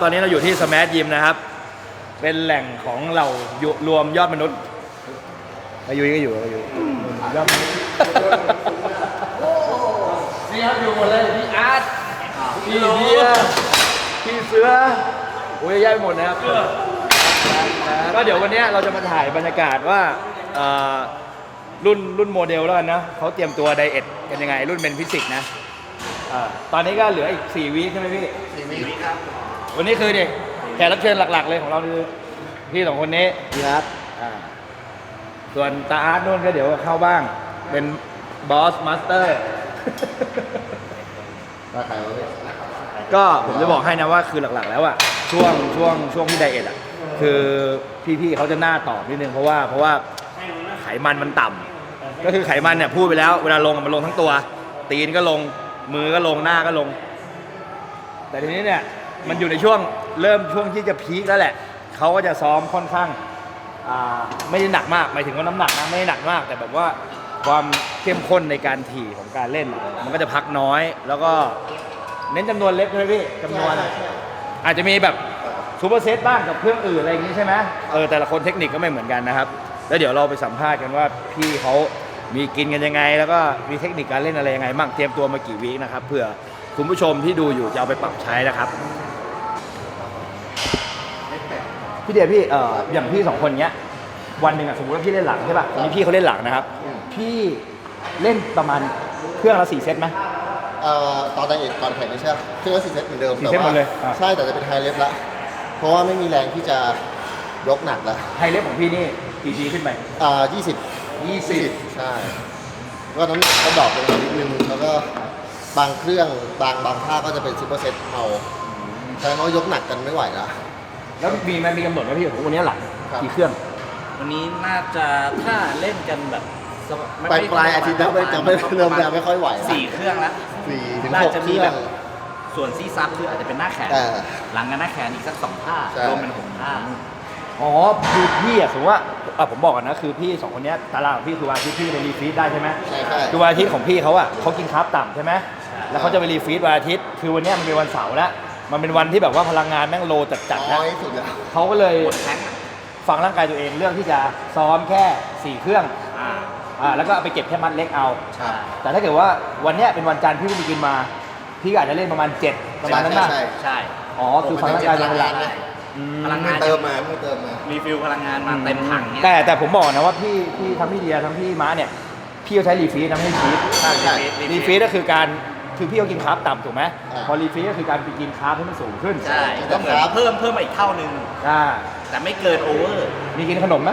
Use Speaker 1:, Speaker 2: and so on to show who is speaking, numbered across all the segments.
Speaker 1: ตอนนี้เราอยู่ที่สแมชยิมนะครับเป็นแหล่งของเรารวมยอดมนุษย์อายุก็อยู่ยอดมนุษย์นี่ครับอยู่หมดเลยพี่อาร์ตพี่เบียร์พี่เสือโอ้ยแย่ไปหมดนะครับก็เดี๋ยววันนี้เราจะมาถ่ายบรรยากาศว่ารุ่นโมเดลแล้วกันนะเขาเตรียมตัวไดเอทกันยังไงรุ่นเป็นฟิสิกส์นะตอนนี้ก็เหลืออีก4 วีคใช่ไหมพี่4 วีคครับวันนี้คือเด็กแขกรับเชิญหลักๆเลยของเราคือพี่2 คนนี้พี่อาร์ตส่วนตาอาร์ตนู่นก็เดี๋ยวเข้าบ้างเป็นบอสมาสเตอร์ก็ผมจะบอกให้นะว่าคือหลักๆแล้วอะช่วงที่ไดเอทอะคือพี่ๆเขาจะหน้าตอบนิดนึงเพราะว่าไขมันมันต่ำก็คือไขมันเนี่ยพูดไปแล้วเวลาลงมันลงทั้งตัวตีนก็ลงมือก็ลงหน้าก็ลงแต่ทีนี้เนี่ยมันอยู่ในช่วงที่จะพีคแล้วแหละเขาก็จะซ้อมค่อนข้างไม่ได้หนักมากหมายถึงว่าน้ำหนักนะไม่ได้หนักมากแต่แบบว่าความเข้มข้นในการถี่ของการเล่นมันก็จะพักน้อยแล้วก็เน้นจำนวนเล็กใช่ไหมพี่จำนวนอาจจะมีแบบซูเปอร์เซตบ้างกับเครื่องอื่นอะไรอย่างนี้ใช่ไหมแต่ละคนเทคนิคก็ไม่เหมือนกันนะครับแล้วเดี๋ยวเราไปสัมภาษณ์กันว่าพี่เขามีกินกันยังไงแล้วก็มีเทคนิคการเล่นอะไรยังไงบ้างเตรียมตัวมากี่วีคนะครับเผื่อคุณผู้ชมที่ดูอยู่จะเอาไปปรับใช้นะครับพี่เดียพี่อย่างพี่2 คนเนี้ยวันหนึ่งสมมติว่าพี่เล่นหลังใช่ป่ะวันนี้พี่เขาเล่นหลังนะครับพี่เล่นประมาณเครื่องละ4 เซตไหม
Speaker 2: ตอนไดเอทก่อนแข่งนี่ใช่เครื่องละ4 เซตเหมือนเดิม
Speaker 1: 4 เซตหมดเลย
Speaker 2: ใช่แต่จะเป็นไฮเลฟละเพราะว่าไม่มีแรงที่จะยกหนักละ
Speaker 1: ไฮเลฟของพี่นี่กี่ทีขึ้นไป
Speaker 2: 20ใช่ก็น้ำหนักก็ดรอปลงมานิดนึงแล้วก็บางเครื่องบางท่าก็จะเป็นซูเปอร์เซตเอาใช่เพราะยกหนักกันไม่ไหวละ
Speaker 1: แล้วมีกำหนดไหมพี่วันนี้หลังกี่เครื่อง
Speaker 3: วันนี้น่าจะถ้าเล่นกันแบบ
Speaker 2: ปลายอาทิตย์แล้วจะไม่เริ่มจะไม่ค่อยไหว
Speaker 3: 4 เครื่องแล้ว
Speaker 2: 4 ถึง 6 เครื่อง
Speaker 3: ส่วนซีซับคืออาจจะเป็นหน้าแขนหลังกันหน้าแขนอีกสัก2 ท่ารวมเป็น6 ท่า
Speaker 1: คือพี่สมมติว่าผมบอกกันนะคือพี่2 คนนี้ตารางของพี่คือวันอาทิตย์พี่ไปรีฟีดได้ใช่ไหม
Speaker 2: ใช่
Speaker 1: คือวันอาทิตย์ของพี่เขากินคาร์บต่ำใช่ไหมแล้วเขาจะไปรีฟีดวันอาทิตย์คือวันนี้มันเป็นวันเสาร์แล้วมันเป็นวันที่แบบว่าพลังงานแม่งโลจัดๆนะเขาก็เลยฟังร่างกายตัวเองเลือกที่จะซ้อมแค่4 เครื่องแล้วก็ไปเก็บแค่มัดเล็กเอาแต่ถ้าเกิดว่าวันนี้เป็นวันจันทร์พี่ไปกินมาพี่อาจจะเล่นประมาณ7ประมาณนั้นนะ
Speaker 3: ใช่
Speaker 1: คือฟังร่างกายเป็นหลัก
Speaker 3: พลังงาน
Speaker 2: เติมมา
Speaker 3: รีฟิลพลังงานมาเต็มถังเนี่ย
Speaker 1: แต่ผมบอกนะว่าพี่ทั้งพี่เดียทั้งพี่ม้าเนี่ยพี่เขาใช้รีฟีดทำให้ชีฟรีฟีดก็คือการคือพี่เขากินคาร์บต่ำถูกไหมพอรีฟีดก็คือการไปกินคาร์บให้มันสูงขึ้น
Speaker 3: ใช่ก็เหมือนเพิ่มมาอีกเท่านึงแต่ไม่เกินโอเวอร์
Speaker 1: มีกินขนมไหม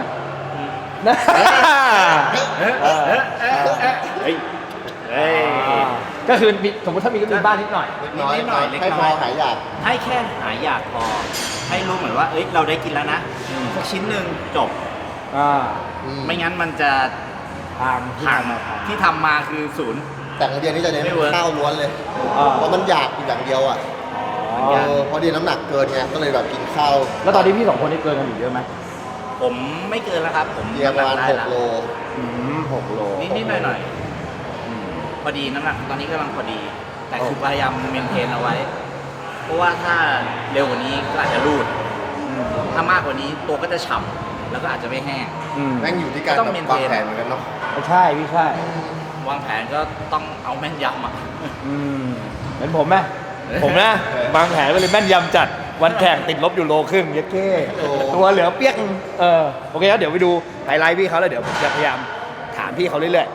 Speaker 1: ก็คือสมมติถ้ามีก็มีบ้านนิดหน่อย
Speaker 2: ให้พอหายอยาก
Speaker 3: ให้แค่หายอยากพอให้รู้เหมือนว่าเราได้กินแล้วนะสักชิ้นหนึ่งจบไม่งั้นมันจะห่างที่ทำมาคือ0
Speaker 2: แต่เดียนี่จะเน้นข้าวล้วนเลยเพราะมันอยากอย่างเดียวพอดีน้ำหนักเกินไงก็เลยแบบกินข้าว
Speaker 1: แล้วตอนนี้พี่2 คนนี่เกินกันอยู่เยอะไหม
Speaker 3: ผมไม่เกินแล้วครับผม
Speaker 2: ประมาณ6 โล
Speaker 1: 6 โล
Speaker 3: นิดหน่อยพอดีน้ำหนักตอนนี้กำลังพอดีแต่คือพยายามเมนเทนเอาไว้เพราะว่าถ้าเร็วกว่านี้ก็อาจจะรูดถ้ามากกว่านี้ตัวก็จะฉ่ำแล้วก็อาจจะไม่แห้ง
Speaker 2: แม่งอยู่ที่การวางแผนเหมือนกันเนาะ
Speaker 1: ใช่พี่ใช่
Speaker 3: วางแผนก็ต้องเอาแม่นยำ
Speaker 1: เหมือนผมไหมผมนะวางแผนไปเลยแม่นยำจัดวันแข่งติดลบอยู่1.5 โลเยอะแค่ตัวเหลือเปี้ยงโอเคแล้วเดี๋ยวไปดูไฮไลท์พี่เขาแล้วเดี๋ยวผมจะพยายามถามพี่เขาเรื่อยๆ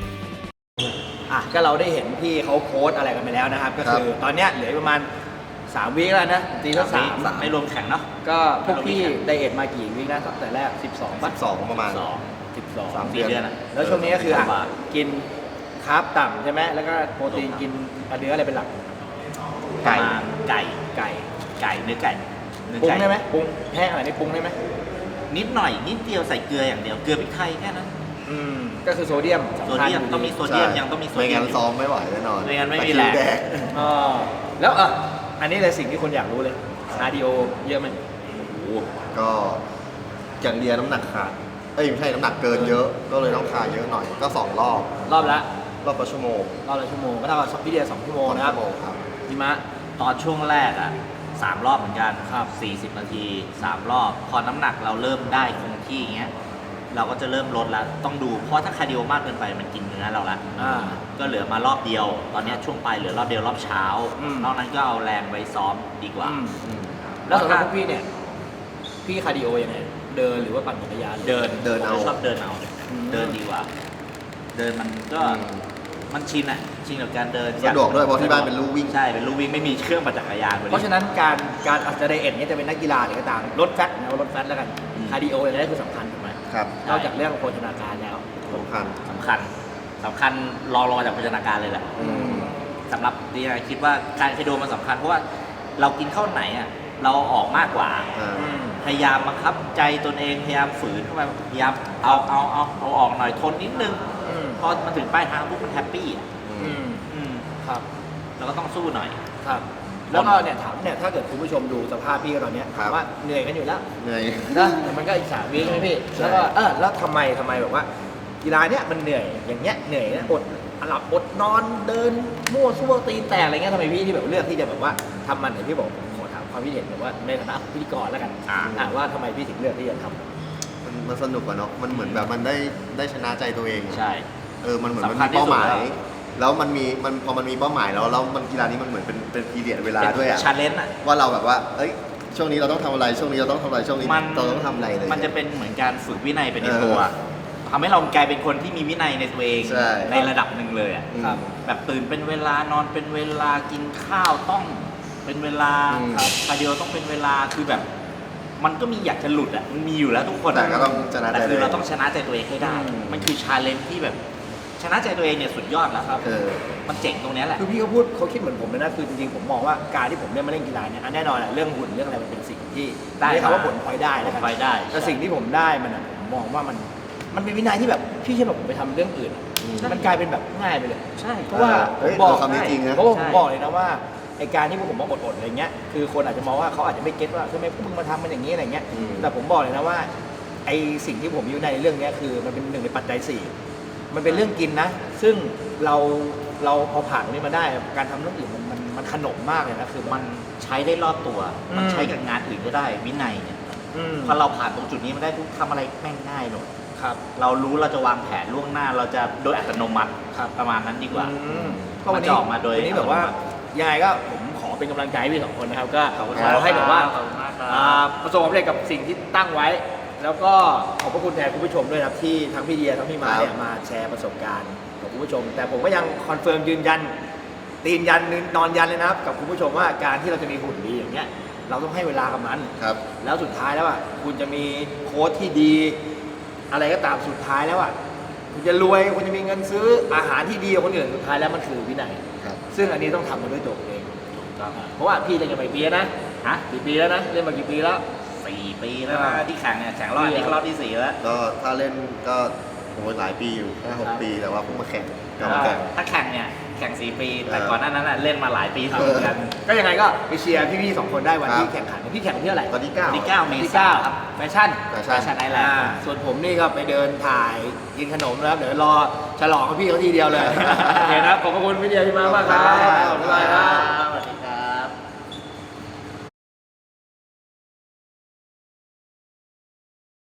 Speaker 1: ก็เราได้เห็นพี่เขาโพสอะไรกันไปแล้วนะครับก็คือตอนนี้เหลือประมาณ 3 วีคแล้วนะตีละสาม
Speaker 3: ไม่รวมแข่งเนาะ
Speaker 1: ก็พวกพี่ไดเอทมากี่วีคนะตั้งแต่แรก 12ป่ะ
Speaker 2: 12ประมาณ
Speaker 1: 12
Speaker 2: สาม
Speaker 3: 4 เดือนอะ
Speaker 1: แล้วช่วงนี้ก็คืออ่ะ
Speaker 3: บาท
Speaker 1: กินคาร์บต่ำใช่ไหมแล้วก็โปรตีนกินเนื้ออะไรเป็นหลัก
Speaker 3: ไก่ไก่
Speaker 1: ไก่
Speaker 3: ไก่เนื้อไก่เนื้อ
Speaker 1: ปรุง
Speaker 3: ไก่
Speaker 1: ได้ไหมปรุงแห้งอะไรนี่ปรุงได้ไหม
Speaker 3: นิดหน่อยนิดเดียวใส่เกลืออย่างเดียวเกลือพริกไทยแค่นั้น
Speaker 1: ก็คือโซเดียม
Speaker 3: โซ
Speaker 1: สำคัญ
Speaker 3: เดียมต้องมีโซเดียมยังต้องมีโซ
Speaker 2: ไม่
Speaker 3: เดีย
Speaker 2: งั้
Speaker 3: ม
Speaker 2: น
Speaker 3: อยู่
Speaker 2: ซ้อมไม่ไหวแน่นอน
Speaker 3: ไม่งั้นไม่มี
Speaker 2: ตะคริว
Speaker 3: แรง
Speaker 2: ดก
Speaker 1: อ๋อแล้วอันนี้เลยสิ่งที่คนอยากรู้เลยคาร์ดิโอเยอะไหม
Speaker 2: ก็อย่างเดียวน้ำหนักขาดไม่ใช่น้ำหนักเกินเยอะ ก็เลยต้องคาเยอะหน่อยก็2 รอบ
Speaker 1: รอบละ
Speaker 2: รอบละชั่วโมง
Speaker 1: รอบละชั่วโมงก็เท่ากับพี่เดีย2 ชั่วโมงนะครับ
Speaker 2: 2 ชั่วโมงครับ
Speaker 1: พี่มะ
Speaker 3: ตอนช่วงแรกอ่ะ3 รอบเหมือนกันครับ40 นาที 3 รอบ พอน้ำหนักเราเริ่มได้คงที่อย่างเงี้ยเราก็จะเริ่มลดแล้วต้องดูเพราะถ้าคาร์ดิโอมากเกินไปมันกินเนื้อเราละ ก็เหลือมารอบเดียว ตอนเนี้ยช่วงปลายเหลือรอบเดียวรอบเช้า นอกนั้นก็เอาแรงไว้ซ้อมดีกว่า
Speaker 1: แล้วสำหรับพวกพี่เนี่ยพี่คาร์ดิโอยังไงเดินหรือว่าปั่นจักรยาน
Speaker 3: เดิน
Speaker 2: เดินเอา
Speaker 3: ผมชอบเดินเอา
Speaker 1: อืม
Speaker 3: เดินดีกว่า เดินมันก็มันชินอ่ะชินกับการเดิน
Speaker 2: สะดวกด้วยเพราะที่บ้านเป็นลู่วิ่ง
Speaker 3: ใช่เป็นลู่วิ่งไม่มีเครื่องปั่นจักรยาน
Speaker 1: เพราะฉะนั้นการอาจจะไดเอทเนี่ยจะเป็นนักกีฬาหรือก็ตามลดแฟตนะลดแฟตแล้วกันคาร์ดิโออย่างนี้คือสำคัญถูกไหม
Speaker 2: ครับ
Speaker 1: นอกจากเรื่องโภชนาการแล้ว
Speaker 2: สำคัญ
Speaker 3: สำคัญรองจากโภชนาการเลยแหละ สำหรับดีนะคิดว่าการคาร์ดิโอมันสำคัญเพราะว่าเรากินข้าวไหนอ่ะเราออกมากกว่า พยายามบังคับใจตนเองพยายามฝืนเข้าไปพยายามเอาออกหน่อยทนนิดนึงพอมาถึงปลายทางปุ๊บมันแฮปปี้อ่ะ
Speaker 1: ครับ
Speaker 3: เราก็ต้องสู้หน่อย
Speaker 1: ครับ แล้วก็เนี่ยถามเนี่ยถ้าเกิดคุณผู้ชมดูสภาพพี่ตอนเนี้ย
Speaker 2: ครับ
Speaker 1: ว่าเหนื่อยกันอยู่แล้ว
Speaker 2: เหนื่อย
Speaker 1: นะแต่มันก็อีก3 วีคใช่ไหมพี่
Speaker 2: ใช่
Speaker 1: แล้วก็แล้วทำไมแบบว่ากีฬาเนี้ยมันเหนื่อยอย่างเงี้ยเหนื่อยนะอดหลับอดนอนเดินมั่วซั่วตีแตกอะไรเงี้ยทำไมพี่ที่แบบเลือกที่จะแบบว่าทำมันอย่างที่บอกขอถามความคิดเห็นแบบว่าในฐานะพิธีกรแล้วกันว่าทำไมพี่ถึงเลือกที่จะทำ
Speaker 2: มันสนุกกว่าเนาะมันเหมือนแบบมันได้ชนะใจตัวเอง
Speaker 3: ใช่
Speaker 2: มันเหมือนมัน
Speaker 3: สำคัญ
Speaker 2: มี
Speaker 3: ที่สุด
Speaker 2: เป้าหมาย แล้วพอมันมีเป้าหมายแล้วมันกีฬานี้มันเหมือนเป็นพีเรียดเวลาด้วยอะ
Speaker 3: ชาเลนจ์อ่ะ
Speaker 2: ว่าเราแบบว่าช่วงนี้เราต้องทำอะไรช่วงนี้เราต้องทำอะไรช่วงนี้เราต้องทำอะไรเลย
Speaker 3: มันจะเป็นเหมือนการฝึกวินัยไปในตัวทำให้เรากลายเป็นคนที่มีวินัยในตัวเอง
Speaker 2: ใช่
Speaker 3: ในระดับหนึ่งเลยอ่ะ
Speaker 2: ครับ
Speaker 3: แบบตื่นเป็นเวลานอนเป็นเวลากินข้าวต้องเป็นเวลาคาร์ดิโอต้องเป็นเวลาคือแบบ มันก็มีอยากจะหลุดอ่ะมันมีอยู่แล้วทุกคน
Speaker 2: แต่ก็ต้องชนะใจ
Speaker 3: แต่คือเราต้องชนะใจตัวเองให้ได้ มันคือชาเลนจ์ที่แบบชนะใจตัวเองเนี่ยสุดยอดแล้วครับ มันเจ๋งตรงเนี้ยแหละ
Speaker 1: คือพี่เขาคิดเหมือนผมเลยนะคือจริงๆผมมองว่าการที่ผมเล่นมาเล่นกีฬาเนี่ยแน่นอนแหละเรื่องหุ่นเรื่องอะไรมันเป็นสิ่งที่
Speaker 3: ได้
Speaker 1: เรียกว่าผลพลอยได้
Speaker 3: ผ
Speaker 1: นะ
Speaker 3: ล
Speaker 1: ครับ
Speaker 3: พลอยได้
Speaker 1: แต่สิ่งที่ผมได้มันอะผมมองว่ามันเป็นวินัยที่แบบพี่เชื่อแบบผมไปทำเรื่องอื่นอะมันกลายเป็นแบบง่ายไปเลย
Speaker 3: ใช่
Speaker 1: เพราะว่าผม
Speaker 2: บอกคำนี้จริงนะ
Speaker 1: เพราะว่าผมบอกเลยนะว่าไอการที่พวกผมมาอดๆอะไรเงี้ยคือคนอาจจะมองว่าเขาอาจจะไม่เก็ตว่าทำไมพวกมึงมาทำมันอย่างนี้อะไรเงี้ยแต่ผมบอกเลยนะว่าไอสิ่งที่ผมอยู่ในเรื่องเนี้ยคือมันเป็นหนึ่งในปัจจัย4มันเป็นเรื่องกินนะซึ่งเราพอผ่านตรงนี้มาได้การทำเรื่องอื่นมันขนมมากเลยนะคือ
Speaker 3: มันใช้ได้รอบตัว มัน
Speaker 1: อืม
Speaker 3: ใช้กับงานอื่นก็ได้วินัยเนี่ย
Speaker 1: อืม
Speaker 3: พอเราผ่านตรงจุดนี้มาได้ทุกทำอะไรแม่งง่ายหมด
Speaker 1: ครับ
Speaker 3: เรารู้เราจะวางแผนล่วงหน้าเราจะโดยอัตโนมัติ
Speaker 1: ครับ
Speaker 3: ประมาณนั้นดีกว่า
Speaker 1: ก็วัน
Speaker 3: มันจะ
Speaker 1: นี้
Speaker 3: ออกมาโดย
Speaker 1: วันนี้แบบว่ายังไงก็ผมขอเป็นกำลังใจให้พี่2 คนนะครับก็
Speaker 3: ขอบคุณ
Speaker 1: ข
Speaker 3: ครับ
Speaker 1: อให้แบบว่า
Speaker 3: ขอบคุณมากครับ
Speaker 1: ประสบความสำเร็จกับสิ่งที่ตั้งไว้ แล้วก็ขอบพระคุณแทนคุณผู้ชมด้วยนะครับที่ทั้งพี่เดียทั้งพี่มาเนี่ยมาแชร์ประสบการณ์กับคุณผู้ชม แต่ผมก็ยังคอนเฟิร์มยืนยันตีนยันนอนยันเลยนะครับกับคุณผู้ชมว่าการที่เราจะมีหุ่นดีอย่างเงี้ยเราต้องให้เวลากับมัน
Speaker 2: ครับ
Speaker 1: แล้วสุดท้ายแล้วอ่ะคุณจะมีโค้ชที่ดี อะไรก็ตามสุดท้ายแล้วอ่ะคุณจะรวยคุณจะมีเงินซื้ออาหารที่ดีกว่าคนอื่นสุดท้ายแล้วมันคือวินัย
Speaker 2: ครับ
Speaker 1: ซึ่งอันนี้ต้องทำมาด้วยตัวเองเพราะว่าพี่เล่นกันมากี่ปีแล้วนะกี่ปีแล้วนะเล่นมากี่ปีแล้ว
Speaker 3: 4 ปีแล้วนะที่แข่งเนี่ยแข่งรอบนี้ก็รอบที่ 4 แล้ว
Speaker 2: ก็ถ้าเล่นก็หลายปีอยู่5-6 ปีแต่ว่าเพิ่งมาแข่งกลับมาแข่ง
Speaker 3: ถ้าแข่งเนี่ยแข่ง 4 ปี แต่ก่อนหน้านั้นน่ะเล่นมาหลายปีเหมือนกัน
Speaker 1: ก็ยังไงก็ไปเชียร์พี่ๆ2 คนได้วันที่
Speaker 2: ครับ
Speaker 1: แข่งขันพี่แข่งวันที่เท่าไหร่
Speaker 2: วันที่9
Speaker 3: วันที่ 9 เม
Speaker 1: วันที่
Speaker 3: ษายน
Speaker 1: 9
Speaker 3: ครับ
Speaker 1: แฟชั่น
Speaker 2: แฟชั่น
Speaker 3: ไอแลนด์
Speaker 1: ส่วนผมนี่ก็ไปเดินถ่ายกินขนมนะครับเดี๋ยวรอฉลองกับพี่เขาทีเดียวเลย โอเคนะครับขอบพระคุณพี่เดียพี่มากครับบ๊ายบายครับ